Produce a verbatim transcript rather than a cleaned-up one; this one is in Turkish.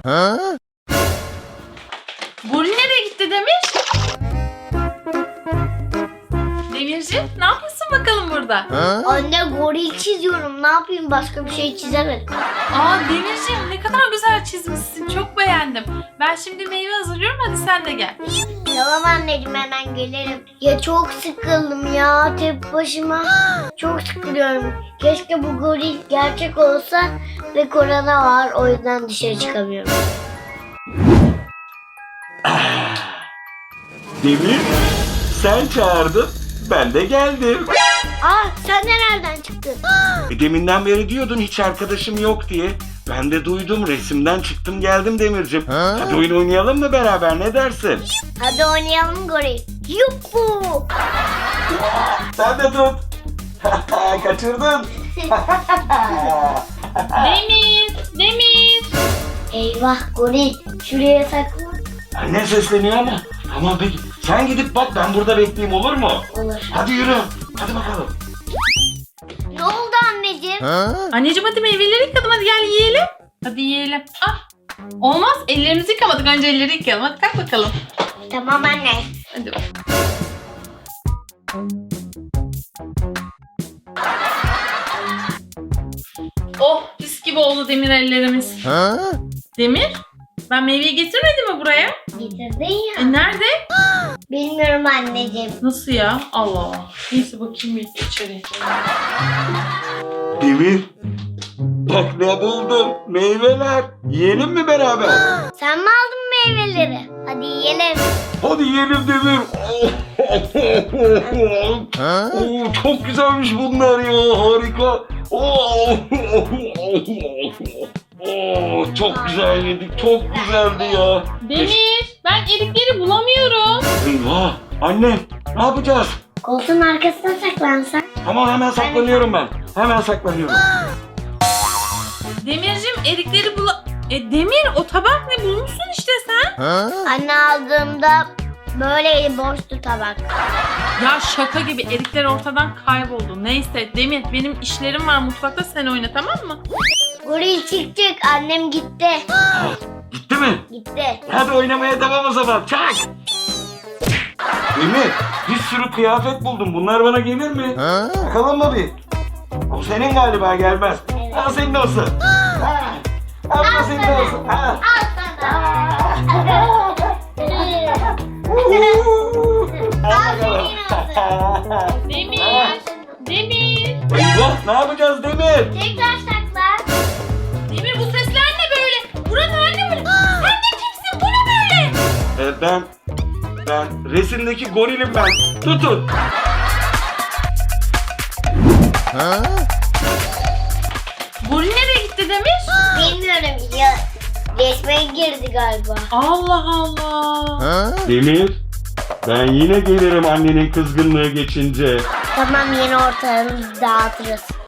Goril nereye gitti Demir? Demirciğim ne yapıyorsun bakalım burada? Anne goril çiziyorum. Ne yapayım? Başka bir şey çizemedim. Aa Demirciğim ne kadar güzel çizmişsin. Çok beğendim. Ben şimdi meyve hazırlıyorum. Hadi sen de gel. Tamam anneciğim, hemen gelirim. Ya çok sıkıldım ya tek başıma. Çok sıkılıyorum. Keşke bu goril gerçek olsa ve korona var. O yüzden dışarı çıkamıyorum. Demir, sen çağırdın, ben de geldim. Aa, sen de nereden çıktın? E, deminden beri diyordun hiç arkadaşım yok diye. Ben de duydum, resimden çıktım geldim Demircim. Hadi oyun oynayalım mı beraber, ne dersin? Hadi oynayalım goril. Yuhu! Sen de tut. Kaçırdın. Demir, Demir. Eyvah goril. Şuraya saklan. Anne sesleniyor ama. Tamam peki. Sen gidip bak, ben burada bekleyeyim, olur mu? Olur. Hadi yürü. Hadi bakalım. Ne oldu anneciğim? Anneciğim hadi meyveleri yıkadım. Hadi gel yiyelim. Hadi yiyelim. Ah. Olmaz. Ellerimizi yıkamadık. Önce elleri yıkayalım. Hadi kalk bakalım. Tamam anne. Hadi bak. Oh pis gibi oldu Demir ellerimiz. Demir ben meyveyi getirmedim mi buraya? Getirdin ya. E nerede? Bilmiyorum anneciğim. Nasıl ya? Allah Allah. Neyse bakayım bir içeri. Demir. Bak ne buldum. Meyveler. Yiyelim mi beraber? Sen mi aldın meyveleri? Hadi yiyelim. Hadi yiyelim Demir. Oo, çok güzelmiş bunlar ya. Harika. Oo, Oo, çok güzel yedik. Çok güzeldi ya. Demir ben erikleri bulamıyorum. Eyvah. Anne ne yapacağız? Koltuğun arkasına saklansan. Tamam hemen saklanıyorum ben. Hemen saklanıyorum. Demircim erikleri bula... E Demir o tabak ne bulmuşsun işte sen? Anne aldığımda böyleydi, boştu tabak. Ya şaka gibi erikler ortadan kayboldu. Neyse Demir benim işlerim var mutfakta, sen oyna tamam mı? Goril çık çık, annem gitti. Gitti mi? Gitti. Hadi oynamaya devam o zaman. Çak. Demir bir sürü kıyafet buldum. Bunlar bana gelir mi? Bakalım mı bir? O senin galiba, gelmez. Evet. Al senin olsun. Ha. Al bu senin olsun. Ha. Al sana. Al senin olsun. Demir! Demir! Eyvah, ne yapacağız Demir? Tekrar saklan. Demir bu sesler ne böyle? Buranın hali ne böyle? Sen de kimsin? Bu ne böyle? Ee, ben ben resimdeki gorilim ben. Tutun. Goril nereye gitti Demir? Bilmiyorum ya. Resme girdi galiba. Allah Allah. Demir, ben yine gelirim annenin kızgınlığı geçince. Tamam, yeni ortalarımızı dağıtırız.